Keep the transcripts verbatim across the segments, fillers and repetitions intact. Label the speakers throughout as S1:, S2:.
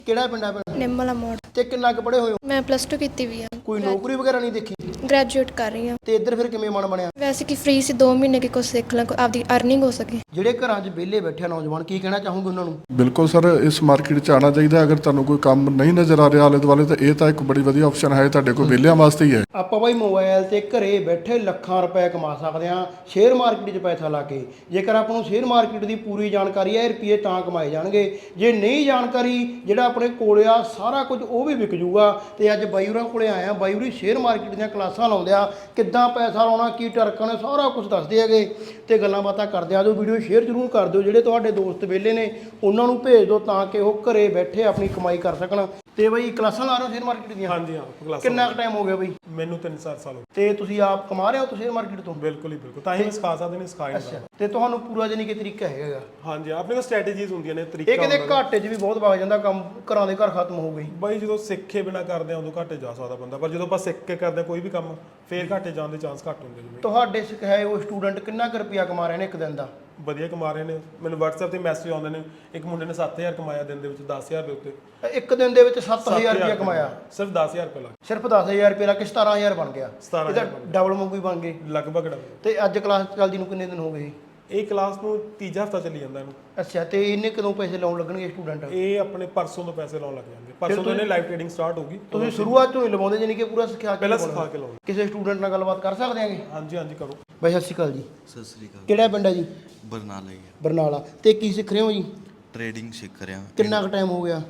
S1: ਕਿਹੜਾ ਪਿੰਡ ਆ ਭੈਣ?
S2: ਨਿੰਮਲਾ ਮੋੜ।
S1: ਤੇ ਕਿੰਨਾ ਕੁ ਪੜ੍ਹੇ ਹੋਏ ਹੋ?
S2: ਮੈਂ ਪਲੱਸ ਟੂ ਕੀਤੀ ਵੀ ਆ।
S1: ਕੋਈ ਨੌਕਰੀ ਵਗੈਰਾ ਨਹੀਂ ਦੇਖੀ?
S2: ਗ੍ਰੈਜੂਏਟ ਕਰ ਰਹੀ ਹਾਂ।
S1: ਤੇ ਇੱਧਰ ਫਿਰ ਕਿਵੇਂ ਮਨ ਬਣਿਆ?
S2: ਵੈਸੇ ਕਿ ਫ੍ਰੀ ਸੀ, ਦੋ ਮਹੀਨੇ ਕਿ ਕੁਝ ਸਿੱਖ ਲਾਂ, ਆਪਦੀ ਅਰਨਿੰਗ ਹੋ ਸਕੇ।
S1: ਜਿਹੜੇ ਘਰਾਂ 'ਚ ਵਿਹਲੇ ਬੈਠੇ ਨੌਜਵਾਨ, ਕੀ ਕਹਿਣਾ ਚਾਹੋਗੇ ਉਹਨਾਂ ਨੂੰ?
S3: ਬਿਲਕੁਲ ਸਰ, ਇਸ ਮਾਰਕੀਟ 'ਚ ਆਉਣਾ ਚਾਹੀਦਾ। ਅਗਰ ਤੁਹਾਨੂੰ ਕੋਈ ਕੰਮ ਨਹੀਂ ਨਜ਼ਰ ਆ ਰਿਹਾ ਆਲੇ ਦੁਆਲੇ, ਤਾਂ ਇਹ ਤਾਂ ਇੱਕ ਬੜੀ ਵਧੀਆ ਆਪਸ਼ਨ ਹੈ ਤੁਹਾਡੇ ਕੋਲ, ਵਿਹਲਿਆਂ ਵਾਸਤੇ ਹੀ ਹੈ।
S1: ਆਪਾਂ ਬਾਈ ਮੋਬਾਈਲ ਤੇ ਘਰੇ ਬੈਠੇ ਲੱਖਾਂ ਰੁਪਏ ਕਮਾ ਸਕਦੇ ਹਾਂ ਸ਼ੇਅਰ ਮਾਰਕੀਟ 'ਚ ਪੈਸਾ ਲਾ ਕੇ। ਜੇਕਰ ਆਪਾਂ ਨੂੰ ਸ਼ੇਅਰ ਮਾਰਕੀਟ ਦੀ ਪੂਰੀ ਜਾਣਕਾਰੀ ਹੈ, ਰੁਪਏ ਤਾਂ ਕਮਾਏ ਜਾਣਗੇ। ਜੇ ਨਹੀਂ ਜਾਣਕਾਰੀ, ਜਿਹੜਾ ਆਪਣੇ ਕੋਲ ਆ ਸਾਰਾ ਕੁਝ ਉਹ ਵੀ ਵਿਕ ਜੂਗਾ। ਤੇ ਅੱਜ ਬਾਈ ਹੋਰਾਂ ਕੋਲੇ ਆਇਆ, ਬਾਈ ਹੋਰੀ ਸ਼ੇਅਰ ਮਾਰਕੀਟ ਦੀਆਂ ਕਲਾਸਾਂ ਲਾਉਂਦੇ ਆ, ਕਿੱਦਾਂ ਪੈਸਾ ਲਾਉਣਾ, ਕੀ ਟਰਕਾਂ ਨੇ, ਸਾਰਾ ਕੁਝ ਦੱਸਦੇ ਹੈਗੇ ਤੇ ਗੱਲਾਂ ਬਾਤਾਂ ਕਰਦੇ ਆ। ਜੋ ਵੀਡੀਓ ਸ਼ੇਅਰ ਜ਼ਰੂਰ ਕਰ ਦਿਓ, ਜਿਹੜੇ ਤੁਹਾਡੇ ਦੋਸਤ ਵਿਹਲੇ ਨੇ ਉਹਨਾਂ ਨੂੰ ਭੇਜ ਦਿਓ ਤਾਂ ਕਿ ਉਹ ਘਰੇ ਬੈਠੇ ਆਪਣੀ ਕਮਾਈ ਕਰ ਸਕਣ। ਤੇ ਬਾਈ ਕਲਾਸਾਂ ਲਾ ਰਹੇ ਹੋ ਸ਼ੇਅਰ ਮਾਰਕੀਟ ਦੀਆਂ?
S4: ਹਾਂਜੀ ਹਾਂ, ਕਲਾਸਾਂ।
S1: ਕਿੰਨਾ ਕੁ ਟਾਈਮ ਹੋ ਗਿਆ ਬਾਈ?
S4: ਮੈਨੂੰ ਤਿੰਨ ਚਾਰ ਸਾਲ ਹੋ
S1: ਤੇ ਤੁਸੀਂ ਆਪ ਕਮਾ ਰਹੇ ਹੋ ਤੁਸੀਂ ਸ਼ੇਅਰ ਮਾਰਕੀਟ ਤੋਂ?
S4: ਬਿਲਕੁਲ ਹੀ ਬਿਲਕੁਲ, ਤਾਂ ਹੀ ਮੈਂ ਸਿਖਾ ਸਕਦੇ ਨੇ, ਸਿਖਾਇਆ
S1: ਅੱਛਾ, ਤੇ ਤੁਹਾਨੂੰ ਪੂਰਾ ਜਾਨੀ ਕਿ ਤਰੀਕਾ ਹੈਗਾ?
S4: ਹਾਂਜੀ, ਆਪਣੇ ਕੋਲ ਸਟ੍ਰੈਟੇਜੀਜ਼ ਹੁੰਦੀਆਂ ਨੇ, ਤਰੀਕਾ
S1: ਇਹ ਕਿਤੇ ਘਾਟੇ 'ਚ ਵੀ ਬਹੁਤ ਵਗ ਜਾਂਦਾ ਕੰਮ, ਘਰਾਂ ਦੇ ਘਰ ਖਤਮ ਹੋ ਗਈ
S4: ਬਾਈ। ਜਦੋਂ ਸਿੱਖੇ ਬਿਨਾ ਕਰਦੇ ਆ ਉਦੋਂ ਘਾਟੇ ਜਾ ਸਕਦਾ ਬੰਦਾ, ਪਰ ਜਦੋਂ ਆਪਾਂ ਸਿੱਖ ਕੇ ਕਰਦੇ ਕੋਈ ਵੀ ਕੰਮ, ਫੇਰ ਘਾਟੇ ਜਾਣ ਦੇ ਚਾਂਸ ਘੱਟ ਹੁੰਦੇ। ਜਿਵੇਂ
S1: ਤੁਹਾਡੇ ਸਿਖਾਏ ਉਹ ਸਟੂਡੈਂਟ ਕਿੰਨਾ ਕੁ ਰੁਪਿਆ ਕਮਾ ਰਹੇ ਨੇ ਇੱਕ ਦਿਨ ਦਾ?
S4: ਵਧੀਆ ਕਮਾ ਰਹੇ ਨੇ, ਮੈਨੂੰ WhatsApp ਤੇ ਮੈਸੇਜ ਆਉਂਦੇ ਨੇ, ਇੱਕ ਮੁੰਡੇ ਨੇ ਸੱਤ ਹਜ਼ਾਰ ਕਮਾਇਆ ਦਿਨ ਦੇ ਵਿੱਚ, ਦਸ ਹਜ਼ਾਰ ਦੇ ਉੱਤੇ।
S1: ਇੱਕ ਦਿਨ ਦੇ ਵਿੱਚ ਸੱਤ ਹਜ਼ਾਰ ਰੁਪਿਆ ਕਮਾਇਆ?
S4: ਸਿਰਫ ਦਸ ਹਜ਼ਾਰ ਰੁਪਏ ਲੱਗ
S1: ਸਿਰਫ ਦਸ ਹਜ਼ਾਰ ਰੁਪਏ ਲਾ ਕੇ ਸਤਾਰਾਂ ਹਜ਼ਾਰ ਬਣ ਗਿਆ।
S4: ਸਤਾਰਾਂ
S1: ਇਹਦਾ ਡਬਲ ਵਾਂਗੂ ਹੀ ਬਣ ਗਏ
S4: ਲਗਭਗ ਡਬਲ।
S1: ਤੇ ਅੱਜ ਕਲਾਸ ਚੱਲਦੀ ਨੂੰ ਕਿੰਨੇ ਦਿਨ ਹੋ ਗਏ?
S4: ਇਹ ਕਲਾਸ ਨੂੰ ਤੀਜਾ ਹਫਤਾ ਚੱਲੀ ਜਾਂਦਾ ਇਹਨੂੰ।
S1: ਅੱਛਾ, ਤੇ ਇਹਨੇ ਕਦੋਂ ਪੈਸੇ ਲਾਉਣ ਲੱਗਣਗੇ ਸਟੂਡੈਂਟ?
S4: ਇਹ ਆਪਣੇ ਪਰਸੋਂ ਤੋਂ ਪੈਸੇ ਲਾਉਣ ਲੱਗ ਜਾਣਗੇ, ਪਰਸੋਂ ਤੋਂ ਇਹਨੇ ਲਾਈਵ ਟ੍ਰੇਡਿੰਗ ਸਟਾਰਟ ਹੋਊਗੀ।
S1: ਤੁਸੀਂ ਸ਼ੁਰੂਆਤ ਤੋਂ ਹੀ ਲਵਾਉਂਦੇ ਜਾਨੀ ਕਿ ਪੂਰਾ ਸਿਖਾ ਕੇ?
S4: ਪਹਿਲਾਂ ਸਿਖਾ ਕੇ ਲਾਉਂਦੇ।
S1: ਕਿਸੇ ਸਟੂਡੈਂਟ ਨਾਲ ਗੱਲਬਾਤ ਕਰ ਸਕਦੇ ਆਂਗੇ?
S4: ਹਾਂਜੀ ਹਾਂਜੀ, ਕਰੋ।
S1: ਬਾਈ ਸਤਿ ਸ਼੍ਰੀ ਅਕਾਲ ਜੀ।
S5: ਸਤਿ ਸ੍ਰੀ ਅਕਾਲ।
S1: ਕਿਹੜਾ ਪਿੰਡ ਹੈ ਜੀ?
S5: ਬਰਨਾਲਾ ਹੀ ਹੈ।
S1: ਬਰਨਾਲਾ। ਤੇ ਕੀ ਸਿੱਖ ਰਹੇ ਹੋ ਜੀ?
S5: ਟ੍ਰੇਡਿੰਗ ਸਿੱਖ ਰਿਹਾ।
S1: ਕਿੰਨਾ ਕੁ ਟਾਈਮ ਹੋ ਗਿਆ?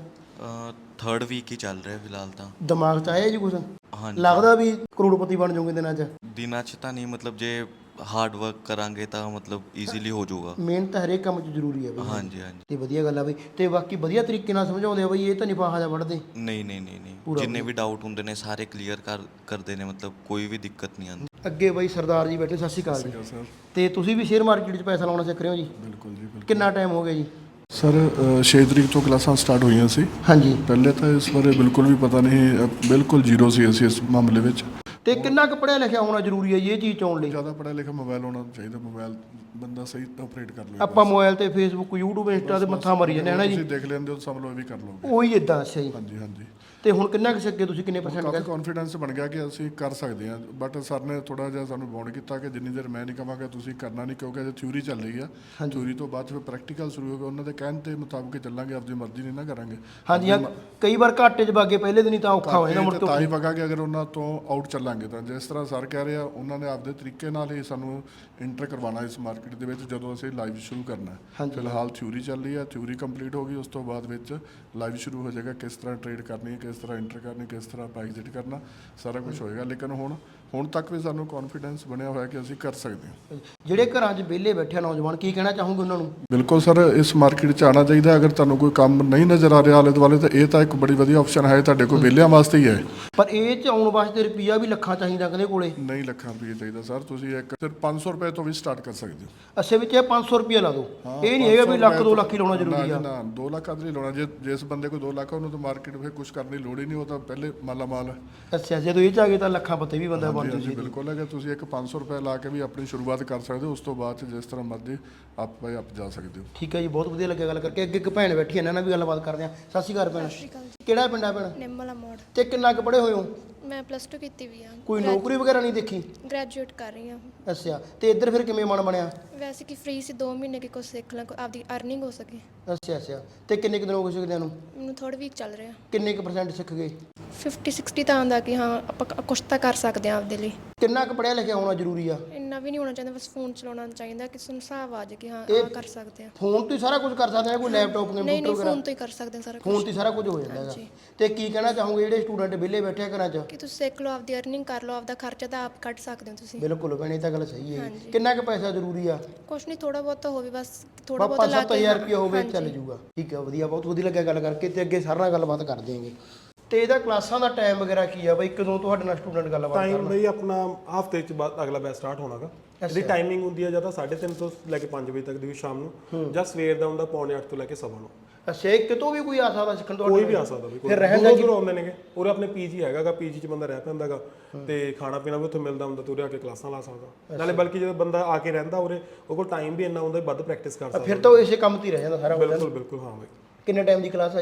S5: ਥਰਡ ਵੀਕ ਹੀ ਚੱਲ ਰਿਹਾ ਫਿਲਹਾਲ ਤਾਂ।
S1: ਦਿਮਾਗ 'ਚ ਆਇਆ ਜੀ ਕੁਝ?
S5: ਹਾਂਜੀ,
S1: ਲੱਗਦਾ ਵੀ ਕਰੋੜਪਤੀ ਬਣ ਜਾਓਗੇ ਦਿਨਾਂ 'ਚ?
S5: ਦਿਨਾਂ 'ਚ ਤਾਂ ਨਹੀਂ, ਮਤਲਬ ਜੇ ਹਾਰਡ ਵਰਕ ਕਰਾਂਗੇ ਤਾਂ ਮਤਲਬ ਈਜ਼ੀਲੀ ਹੋ ਜਾਊਗਾ।
S1: ਮਿਹਨਤ ਹਰੇਕ ਕੰਮ 'ਚ ਜ਼ਰੂਰੀ ਹੈ ਬਈ।
S5: ਹਾਂਜੀ ਹਾਂਜੀ।
S1: ਤੇ ਵਧੀਆ ਗੱਲ ਆ ਬਈ। ਤੇ ਬਾਕੀ ਵਧੀਆ ਤਰੀਕੇ ਨਾਲ ਸਮਝਾਉਂਦੇ ਆ ਬਈ, ਇਹ ਤਾਂ ਨਹੀਂ ਫਾਹਾ ਜਾ ਵੜਦੇ?
S5: ਨਹੀਂ ਨਹੀਂ ਨਹੀਂ ਨਹੀਂ, ਜਿੰਨੇ ਵੀ ਡਾਊਟ ਹੁੰਦੇ ਨੇ ਸਾਰੇ ਕਲੀਅਰ ਕਰ ਕਰਦੇ ਨੇ, ਮਤਲਬ ਕੋਈ ਵੀ ਦਿੱਕਤ ਨਹੀਂ ਆਉਂਦੀ।
S1: ਅੱਗੇ ਬਾਈ ਸਰਦਾਰ ਜੀ ਬੈਠੇ, ਸਤਿ ਸ਼੍ਰੀ ਅਕਾਲ ਜੀ।
S3: ਸਰ
S1: ਤੇ ਤੁਸੀਂ ਵੀ ਸ਼ੇਅਰ ਮਾਰਕੀਟ 'ਚ ਪੈਸਾ ਲਾਉਣਾ ਸਿੱਖ ਰਹੇ ਹੋ ਜੀ?
S3: ਬਿਲਕੁਲ ਜੀ ਬਿਲਕੁਲ।
S1: ਕਿੰਨਾ ਟਾਈਮ ਹੋ ਗਿਆ ਜੀ?
S3: ਸਰ ਛੇ ਤਰੀਕ ਤੋਂ ਕਲਾਸਾਂ ਸਟਾਰਟ ਹੋਈਆਂ ਸੀ।
S1: ਹਾਂਜੀ।
S3: ਪਹਿਲੇ ਤਾਂ ਇਸ ਬਾਰੇ ਬਿਲਕੁਲ ਵੀ ਪਤਾ ਨਹੀਂ, ਅ, ਬਿਲਕੁਲ ਜ਼ੀਰੋ ਸੀ ਅਸੀਂ ਇਸ ਮਾਮਲੇ ਵਿੱਚ।
S1: ਤੇ ਕਿੰਨਾ ਕੁ ਪੜ੍ਹਿਆ ਲਿਖਿਆ ਹੋਣਾ ਜ਼ਰੂਰੀ ਹੈ ਜੀ ਇਹ ਚੀਜ਼ 'ਚ ਆਉਣ ਲਈ?
S3: ਜ਼ਿਆਦਾ ਪੜ੍ਹਿਆ ਲਿਖਿਆ ਮੋਬਾਈਲ ਹੋਣਾ ਚਾਹੀਦਾ, ਮੋਬਾਈਲ ਬੰਦਾ ਸਹੀ ਆਪਰੇਟ ਕਰ ਲਵੇ।
S1: ਆਪਾਂ ਮੋਬਾਈਲ ਤੇ ਫੇਸਬੁੱਕ, ਯੂਟਿਊਬ, ਇੰਸਟਾ ਤੇ ਮੱਥਾ ਮਾਰੀ ਜਾਂਦੇ ਹਨਾ ਜੀ?
S3: ਤੁਸੀਂ ਦੇਖ ਲੈਂਦੇ ਹੋ, ਸਮਝ ਲਓ ਇਹ ਵੀ ਕਰ ਲਓਗੇ।
S1: ਉਹੀ ਇਦਾਂ। ਅੱਛਾ ਜੀ।
S3: ਹਾਂਜੀ ਹਾਂਜੀ।
S1: ਤੇ ਹੁਣ ਕਿੰਨਾ ਕੁ ਸਿੱਖੇ ਤੁਸੀਂ? ਕਿੰਨੇ ਪਰਸੈਂਟ
S3: ਕਾਫੀ
S1: ਗਏ?
S3: ਕੌਨਫੀਡੈਂਸ ਬਣ ਗਿਆ ਕਿ ਅਸੀਂ ਕਰ ਸਕਦੇ ਹਾਂ, ਬਟ ਸਰ ਨੇ ਥੋੜਾ ਜਿਹਾ ਸਾਨੂੰ ਬੌਂਡ ਕੀਤਾ ਕਿ ਜਿੰਨੀ ਦੇਰ ਮੈਂ ਨਹੀਂ ਕਹਾਂਗਾ ਤੁਸੀਂ ਕਰਨਾ ਨਹੀਂ, ਕਿਉਂਕਿ ਅਜੇ ਥਿਊਰੀ ਚੱਲ ਰਹੀ ਆ। ਥਿਊਰੀ ਤੋਂ ਬਾਅਦ ਫਿਰ ਪ੍ਰੈਕਟੀਕਲ ਸ਼ੁਰੂ ਹੋਗਾ, ਉਹਨਾਂ ਦੇ ਕਹਿਣ ਤੇ ਮੁਤਾਬਕ ਚੱਲਾਂਗੇ, ਆਪਣੀ ਮਰਜ਼ੀ ਨਹੀਂ ਨਾ ਕਰਾਂਗੇ।
S1: ਹਾਂਜੀ ਹਾਂ, ਕਈ ਵਾਰ ਘਾਟੇ 'ਚ ਬਾਗੇ ਪਹਿਲੇ ਦਿਨ ਹੀ ਤਾਂ ਔਖਾ ਹੋ ਜਾਂਦਾ ਮੁੜ
S3: ਤਾਂ ਹੀ
S1: ਤੋਂ।
S3: ਵਗਾਂਗੇ ਅਗਰ ਉਹਨਾਂ ਤੋਂ ਆਊਟ ਚੱਲਾਂਗੇ ਤਾਂ। ਜਿਸ ਤਰ੍ਹਾਂ ਸਰ ਕਹਿ ਰਹੇ ਆ, ਉਹਨਾਂ ਨੇ ਆਪਦੇ ਤਰੀਕੇ ਨਾਲ ਹੀ ਸਾਨੂੰ ਇੰਟਰ ਕਰਵਾਉਣਾ ਇਸ ਮਾਰਕੀਟ ਦੇ ਵਿੱਚ ਜਦੋਂ ਅਸੀਂ ਲਾਈਵ ਸ਼ੁਰੂ ਕਰਨਾ ਹੈ। ਫਿਲਹਾਲ ਥਿਊਰੀ ਚੱਲ ਰਹੀ ਹੈ, ਥਿਊਰੀ ਕੰਪਲੀਟ ਹੋ ਗਈ, ਉਸ ਤੋਂ ਬਾਅਦ ਵਿੱਚ ਲਾਈਵ ਸ਼ੁਰੂ ਹੋ ਜਾਏਗਾ। ਕਿਸ ਤਰ੍ਹਾਂ ਟ੍ਰੇਡ ਕਰਨੀ ਹੈ, ਕਿਸ ਤਰ੍ਹਾਂ ਇੰਟਰ ਕਰਨੀ, ਕਿਸ ਤਰ੍ਹਾਂ ਐਗਜ਼ਿਟ ਕਰਨਾ, ਸਾਰਾ ਕੁਝ ਹੋਏਗਾ। ਲੇਕਿਨ ਹੁਣ ਹੁਣ ਤੱਕ ਵੀ ਸਾਨੂੰ ਕੌਨਫੀਡੈਂਸ ਬਣਿਆ ਹੋਇਆ ਕਿ ਅਸੀਂ ਕਰ ਸਕਦੇ ਹਾਂ।
S1: ਜਿਹੜੇ ਘਰਾਂ 'ਚ ਵਿਹਲੇ ਬੈਠੇ ਨੌਜਵਾਨ, ਕੀ ਕਹਿਣਾ ਚਾਹੋਗੇ ਉਹਨਾਂ ਨੂੰ?
S3: ਬਿਲਕੁਲ ਸਰ, ਇਸ ਮਾਰਕੀਟ 'ਚ ਆਉਣਾ ਚਾਹੀਦਾ। ਅਗਰ ਤੁਹਾਨੂੰ ਕੋਈ ਕੰਮ ਨਹੀਂ ਨਜ਼ਰ ਆ ਰਿਹਾ ਆਲੇ ਦੁਆਲੇ, ਤਾਂ ਇਹ ਤਾਂ ਇੱਕ ਬੜੀ ਵਧੀਆ ਆਪਸ਼ਨ ਹੈ ਤੁਹਾਡੇ ਕੋਲ, ਵਿਹਲਿਆਂ ਵਾਸਤੇ ਹੀ ਹੈ।
S1: ਪਰ ਇਹ 'ਚ ਆਉਣ ਵਾਸਤੇ ਰੁਪਈਆ ਵੀ ਲੱਖਾਂ ਚਾਹੀਦਾ ਕਹਿੰਦੇ ਕੋਲੇ?
S3: ਨਹੀਂ ਲੱਖਾਂ ਰੁਪਏ ਚਾਹੀਦਾ ਸਰ, ਤੁਸੀਂ ਇੱਕ ਸਿਰਫ ਪੰਜ ਸੌ ਰੁਪਏ ਤੋਂ ਵੀ ਸਟਾਰਟ ਕਰ ਸਕਦੇ ਹੋ।
S1: ਅੱਛੇ ਵਿੱਚ ਇਹ ਪੰਜ ਸੌ ਰੁਪਈਆ ਲਾ ਦਿਓ, ਇਹ ਨਹੀਂ ਹੈਗਾ ਵੀ ਲੱਖ ਦੋ ਲੱਖ ਹੀ ਲਾਉਣਾ ਜ਼ਰੂਰੀ ਆ?
S3: ਨਾ, ਦੋ ਲੱਖ ਆਦਰੀ ਨਹੀਂ ਲਾਉਣਾ। ਜੇ ਜਿਸ ਬੰਦੇ ਕੋਲ ਦੋ ਲੱਖ ਉਹਨੂੰ ਤਾਂ ਮਾਰਕੀਟ ਵਿੱਚ ਕੁਝ ਕਰਨ ਦੀ ਲੋੜ ਹੀ ਨਹੀਂ, ਉਹ ਤਾਂ ਪਹਿਲੇ ਮਾਲਾ ਮਾਲ ਹੈ।
S1: ਅੱਛਾ, ਜਦੋਂ ਇਹ 'ਚ ਆ ਗਏ ਤਾਂ ਲੱਖਾਂ ਪੱਤੇ ਵੀ ਬੰਦਾ ਬਣ
S3: ਹਾਂਜੀ
S1: ਜੂ।
S3: ਬਿਲਕੁਲ ਹੈ ਕਿ ਤੁਸੀਂ ਇੱਕ ਪੰਜ ਸੌ ਰੁਪਏ ਲਾ ਕੇ ਵੀ ਆਪਣੀ ਸ਼ੁਰੂਆਤ ਕਰ ਸਕਦੇ ਹੋ, ਉਸ ਤੋਂ ਬਾਅਦ 'ਚ ਜਿਸ ਤਰ੍ਹਾਂ ਮਰਜ਼ੀ ਆਪ ਬਾਈ ਆਪ ਜਾ ਸਕਦੇ ਹੋ।
S1: ਠੀਕ ਹੈ ਜੀ, ਬਹੁਤ ਵਧੀਆ ਲੱਗਿਆ ਗੱਲ ਕਰਕੇ। ਅੱਗੇ ਇੱਕ ਭੈਣ ਬੈਠੀ, ਇਹਨਾਂ ਨਾਲ ਵੀ ਗੱਲਬਾਤ ਕਰਦੇ ਹਾਂ। ਸਤਿ ਸ਼੍ਰੀ ਅਕਾਲ ਭੈਣ। ਕਿਹੜਾ ਪਿੰਡ ਆ ਭੈਣ?
S2: ਨਿੰਮਲਾ ਮੋੜ।
S1: ਤੇ ਕਿੰਨਾ ਕੁ ਪੜ੍ਹੇ ਹੋਏ ਹੋ?
S2: ਮੈਂ ਪਲੱਸ ਟੂ ਕੀਤੀ ਵੀ ਆ।
S1: ਕੋਈ ਨੌਕਰੀ ਵਗੈਰਾ ਨਹੀਂ ਦੇਖੀ?
S2: ਗ੍ਰੈਜੂਏਟ ਕਰ ਰਹੀ ਹਾਂ।
S1: ਅੱਛਾ, ਤੇ ਇੱਧਰ ਫਿਰ ਕਿਵੇਂ ਮਨ ਬਣਿਆ?
S2: ਵੈਸੇ ਕਿ ਫ੍ਰੀ ਸੀ, ਦੋ ਮਹੀਨੇ ਕਿ ਕੁਝ ਸਿੱਖ ਲਾਂ, ਆਪਦੀ ਅਰਨਿੰਗ ਹੋ ਸਕੇ।
S1: ਅੱਛਾ ਅੱਛਾ। ਤੇ ਕਿੰਨੇ ਕੁ ਦਿਨ ਹੋ ਗਏ ਸਿੱਖਦਿਆਂ ਨੂੰ?
S2: ਮੈਨੂੰ ਥੋੜ੍ਹਾ ਵੀਕ ਚੱਲ ਰਿਹਾ।
S1: ਕਿੰਨੇ ਕੁ ਪਰਸੈਂਟ ਸਿੱਖ ਗਏ?
S2: ਫਿਫਟੀ ਸਿਕਸਟੀ ਤਾਂ ਆਉਂਦਾ ਕਿ ਹਾਂ ਆਪਾਂ ਕ- ਕੁਛ ਤਾਂ ਕਰ ਸਕਦੇ ਹਾਂ ਆਪਦੇ ਲਈ।
S1: ਕਿੰਨਾ ਕੁ ਪੜ੍ਹਿਆ ਲਿਖਿਆ ਹੋਣਾ ਜ਼ਰੂਰੀ ਆ?
S2: ਇੰਨਾ ਵੀ ਨਹੀਂ ਹੋਣਾ ਚਾਹੀਦਾ, ਬਸ ਫੋਨ ਚਲਾਉਣਾ ਚਾਹੀਦਾ, ਕਿਸੇ ਨੂੰ ਹਿਸਾਬ ਆ ਜਾਏ ਕਿ ਹਾਂ
S1: ਇਹ
S2: ਆਹ ਕਰ ਸਕਦੇ ਹਾਂ।
S1: ਫੋਨ ਤੋਂ ਹੀ ਸਾਰਾ ਕੁਝ ਕਰ ਸਕਦੇ ਆ? ਕੋਈ ਲੈਪਟਾਪ,
S2: ਨਹੀਂ
S1: ਕੰਪਿਊਟਰ
S2: ਨਹੀਂ,
S1: ਵਗੈਰਾ?
S2: ਫੋਨ ਤੋਂ ਹੀ ਕਰ ਸਕਦੇ ਹਾਂ ਸਾਰਾ
S1: ਫੋਨ
S2: ਕੁਝ।
S1: ਤੋਂ ਹੀ ਸਾਰਾ ਕੁਝ ਹੋ ਜਾਂਦਾ ਹੈਗਾ।
S2: ਹਾਂਜੀ।
S1: ਤੇ ਕੀ ਕਹਿਣਾ ਚਾਹੋਗੇ ਜਿਹੜੇ ਸਟੂਡੈਂਟ ਵਿਹਲੇ ਬੈਠੇ ਆ ਘਰਾਂ 'ਚ?
S2: ਕਿ ਤੁਸੀਂ ਸਿੱਖ ਲਓ, ਆਪਦੀ ਅਰਨਿੰਗ ਕਰ ਲਓ, ਆਪਦਾ ਖਰਚਾ ਤਾਂ ਆਪ ਕੱਢ ਸਕਦੇ ਹੋ ਤੁਸੀਂ।
S1: ਬਿਲਕੁਲ ਭੈਣੇ, ਇਹ ਤਾਂ ਗੱਲ ਸਹੀ ਹੈ।
S2: ਹਾਂਜੀ।
S1: ਕਿੰਨਾ ਕੁ ਪੈਸਾ ਜ਼ਰੂਰੀ ਆ?
S2: ਕੁਛ ਨਹੀਂ, ਥੋੜਾ ਬਹੁਤ ਤਾਂ ਹੋਵੇ, ਬਸ ਥੋੜਾ ਬਹੁਤ
S1: ਪੰਜ
S2: ਲਾ
S1: ਸੱਤ
S2: ਕੇ।
S1: ਹਜ਼ਾਰ ਰੁਪਇਆ ਹੋਵੇ
S2: ਹਾਂਜੀ।
S1: ਚੱਲ ਜੂਗਾ। ਠੀਕ ਹੈ, ਵਧੀਆ, ਬਹੁਤ ਵਧੀਆ ਲੱਗਿਆ ਗੱਲ ਕਰਕੇ। ਤੇ ਅੱਗੇ ਸਾਰਾ ਨਾਲ ਗੱਲਬਾਤ ਕਰ ਦੇਵਾਂਗੇ। ਤੇ ਇਹਦਾ ਕਲਾਸਾਂ ਦਾ ਟਾਈਮ ਵਗੈਰਾ ਕੀ ਆ ਬਈ? ਕਦੋਂ ਤੁਹਾਡੇ ਨਾਲ ਸਟੂਡੈਂਟ ਗੱਲਬਾਤ
S4: ਟਾਈਮ
S1: ਕਰਨਾ?
S4: ਬਈ ਆਪਣਾ ਹਫਤੇ ਚ ਬਾਅਦ ਅਗਲਾ ਬੈਚ ਸਟਾਰਟ ਹੋਣਾਗਾ। ਇਹਦੀ ਟਾਈਮਿੰਗ ਹੁੰਦੀ ਹੈ ਜਾਂ ਤਾਂ ਸਾਢੇ ਤਿੰਨ ਤੋਂ ਲੈ ਕੇ ਪੰਜ ਵਜੇ ਤੱਕ ਦੀ ਸ਼ਾਮ ਨੂੰ, ਜਾਂ ਸਵੇਰ ਦਾ ਹੁੰਦਾ ਪੌਣੇ ਅੱਠ ਤੋਂ ਲੈ ਕੇ ਸਵਾ ਨੌ।
S1: ਅੱਛਾ, ਇਹ ਕਿਤੋਂ ਵੀ ਕੋਈ ਆ ਸਕਦਾ ਸਿੱਖਣ ਤੋਂ?
S4: ਕੋਈ ਵੀ ਆ ਸਕਦਾ,
S1: ਫਿਰ ਰਹਿਣ ਦਾ
S4: ਦੂਰੋਂ ਦੂਰੋਂ ਆਉਂਦੇ ਨੇਗੇ। ਉਰੇ ਆਪਣੇ ਪੀਜੀ ਹੈਗਾਗਾ, ਪੀਜੀ ਚ ਬੰਦਾ ਰਹਿ ਪੈਂਦਾਗਾ ਤੇ ਖਾਣਾ ਪੀਣਾ ਵੀ ਉੱਥੇ ਮਿਲਦਾ ਹੁੰਦਾ, ਤੇ ਉਰੇ ਆ ਕੇ ਕਲਾਸਾਂ ਲਾ ਸਕਦਾ। ਨਾਲੇ ਬਲਕਿ ਜਦੋਂ ਬੰਦਾ ਆ ਕੇ ਰਹਿੰਦਾ ਉਰੇ, ਉਹ ਕੋਲ ਟਾਈਮ ਵੀ ਇੰਨਾ ਹੁੰਦਾ, ਵੱਧ ਪ੍ਰੈਕਟਿਸ ਕਰ ਸਕਦਾ।
S1: ਫਿਰ ਤਾਂ ਉਹ ਇਸੇ ਕੰਮ ਤੇ ਹੀ ਰਹਿ ਜਾਂਦਾ ਸਾਰਾ।
S4: ਬਿਲਕੁਲ ਬਿਲਕੁਲ, ਹਾਂ ਬਈ।
S1: ਕਿੰਨੇ ਟਾਈਮ ਦੀ ਕਲਾਸ ਆ ਜੀ?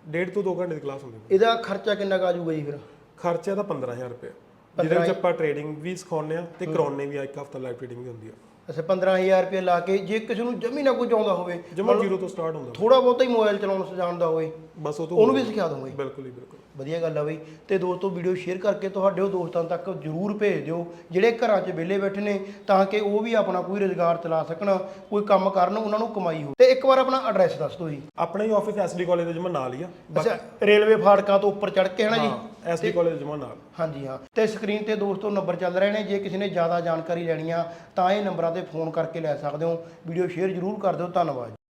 S4: ਡੇਢ ਤੋਂ ਦੋ ਘੰਟੇ ਦੀ ਕਲਾਸ ਹੁੰਦੀ ਹੈ।
S1: ਇਹਦਾ ਖਰਚਾ ਕਿੰਨਾ ਕੁ ਆ ਜਾਊਗਾ ਜੀ ਫਿਰ?
S4: ਖਰਚਾ ਤਾਂ ਪੰਦਰਾਂ ਹਜ਼ਾਰ ਰੁਪਏ, ਜਿਹਦੇ ਵਿੱਚ ਆਪਾਂ ਟ੍ਰੇਡਿੰਗ ਵੀ ਸਿਖਾਉਂਦੇ ਆ ਤੇ ਕਰਾਉਂਦੇ ਵੀ ਆ, ਇੱਕ ਹਫਤਾ ਲਾਈਵ ਟ੍ਰੇਡਿੰਗ ਵੀ ਹੁੰਦੀ ਆ।
S1: ਅੱਛਾ ਪੰਦਰਾਂ ਹਜ਼ਾਰ ਰੁਪਏ ਲਾ ਕੇ ਜੇ ਕਿਸੇ ਨੂੰ ਜਮੀ ਨਾ ਕੁਝ ਆਉਂਦਾ ਹੋਵੇ,
S4: ਜਮਾ ਜ਼ੀਰੋ ਤੋਂ ਸਟਾਰਟ ਹੁੰਦਾ,
S1: ਥੋੜਾ ਬਹੁਤਾ ਹੀ ਮੋਬਾਈਲ ਚਲਾਉਣਾ ਜਾਣਦਾ ਹੋਵੇ,
S4: ਬਸ ਉਹ ਤੋਂ
S1: ਉਹਨੂੰ ਵੀ ਸਿਖਾ ਦੋਗੇ?
S4: ਬਿਲਕੁਲ ਹੀ ਬਿਲਕੁਲ।
S1: ਵਧੀਆ ਗੱਲ ਆ ਬਈ। ਤੇ ਦੋਸਤੋ ਵੀਡੀਓ ਸ਼ੇਅਰ ਕਰਕੇ ਤੁਹਾਡੇ ਉਹ ਦੋਸਤਾਂ ਤੱਕ ਜਰੂਰ ਭੇਜ ਦਿਓ ਜਿਹੜੇ ਘਰਾਂ 'ਚ ਵਿਹਲੇ ਬੈਠੇ ਨੇ, ਤਾਂ ਕਿ ਉਹ ਵੀ ਆਪਣਾ ਕੋਈ ਰੁਜ਼ਗਾਰ ਚਲਾ ਸਕਣ, ਕੋਈ ਕੰਮ ਕਰਨ, ਉਹਨਾਂ ਨੂੰ ਕਮਾਈ ਹੋ। ਤੇ ਇੱਕ ਵਾਰ ਆਪਣਾ ਐਡਰੈਸ ਦੱਸ ਦਿਓ ਜੀ।
S4: ਆਪਣਾ ਹੀ ਆਫਿਸ ਐਸਡੀ ਕਾਲਜ ਦੇ ਜਮਾ ਨਾਲ ਹੀ ਆ।
S1: ਅੱਛਾ ਰੇਲਵੇ ਫਾਟਕਾਂ ਤੋਂ ਉੱਪਰ ਚੜ੍ਹ ਕੇ ਹੈ ਨਾ ਜੀ?
S4: ਐਸਡੀ ਕਾਲਜ ਜਮਾ ਨਾਲ।
S1: ਹਾਂਜੀ ਹਾਂ। ਤੇ ਸਕਰੀਨ ਤੇ ਦੋਸਤੋ ਨੰਬਰ ਚੱਲ ਰਹੇ ਨੇ, ਜੇ ਕਿਸੇ ਨੇ ਜ਼ਿਆਦਾ ਜਾਣਕਾਰੀ ਲੈਣੀ ਆ ਤਾਂ ਇਹ ਨੰਬਰਾਂ ਤੇ ਫੋਨ ਕਰਕੇ ਲੈ ਸਕਦੇ ਹੋ। ਵੀਡੀਓ ਸ਼ੇਅਰ ਜਰੂਰ ਕਰ ਦਿਓ। ਧੰਨਵਾਦ।